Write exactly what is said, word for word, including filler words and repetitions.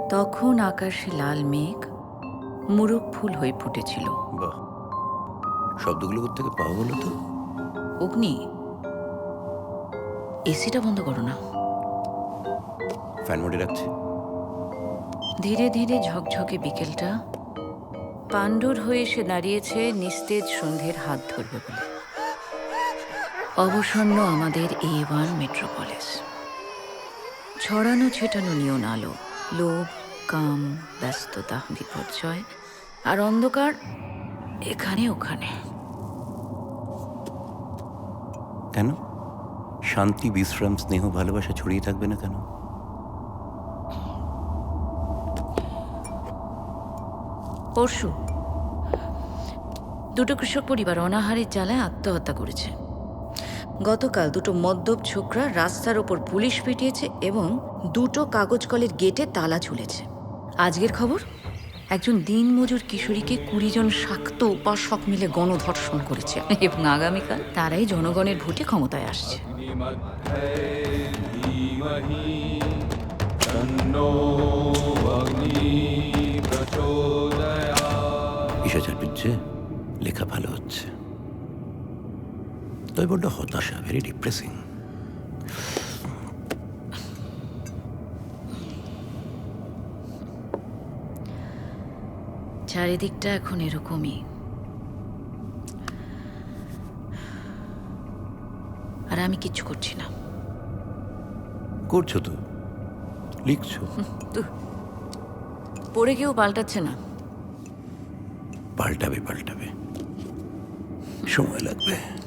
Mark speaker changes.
Speaker 1: তখন আকাশে লাল মেঘ মুরুক ফুল হয়ে ফুটেছিল।
Speaker 2: বাহ, শব্দগুলো কোত্থেকে পাওয়া বলো তো?
Speaker 1: অগ্নি, এসিটা বন্ধ করো না।
Speaker 2: ফ্যান মোডে রাখছি।
Speaker 1: ধীরে ধীরে ঝকঝকে বিকেলটা পাণ্ডুর হয়ে এসে দাঁড়িয়েছে নিস্তেজ সন্ধ্যের হাত ধরবে বলে। অবসন্ন আমাদের এ ওয়ান মেট্রোপলিস, ছড়ানো ছেটানো নিয়ন আলো, লোভ, কাম, ব্যস্ততা, বিপর্যয় আর অন্ধকার এখানে ওখানে।
Speaker 2: কেন শান্তি, বিশ্রাম, স্নেহ, ভালোবাসা ছড়িয়ে থাকবে না কেন?
Speaker 1: পরশু দুটো কৃষক পরিবার অনাহারের জ্বালায় আত্মহত্যা করেছে। গতকাল দুটো মদ্যপ ছোকরা রাস্তার ওপর পুলিশ পিটিয়েছে এবং দুটো কাগজ কলের গেটে তালা ঝুলেছে। আজকের খবর, একজন দিনমজুর কিশোরীকে কুড়ি জন শাক্ত উপাসক মিলে গণধর্ষণ করেছে এবং আগামীকাল তারাই জনগণের ভোটে ক্ষমতায় আসছে।
Speaker 2: ঈশ্বর পিচ্ছে লেখা ভালো হচ্ছে, তবে বড্ড হতাশা, ভেরি ডিপ্রেসিং।
Speaker 1: চারিদিকটা এখন এরকমই, আর আমি কিচ্ছু করছি না।
Speaker 2: করছো তো, লিখছো।
Speaker 1: তো পড়ে কেউ পাল্টাচ্ছে না।
Speaker 2: পাল্টাবে পাল্টাবে, সময় লাগবে।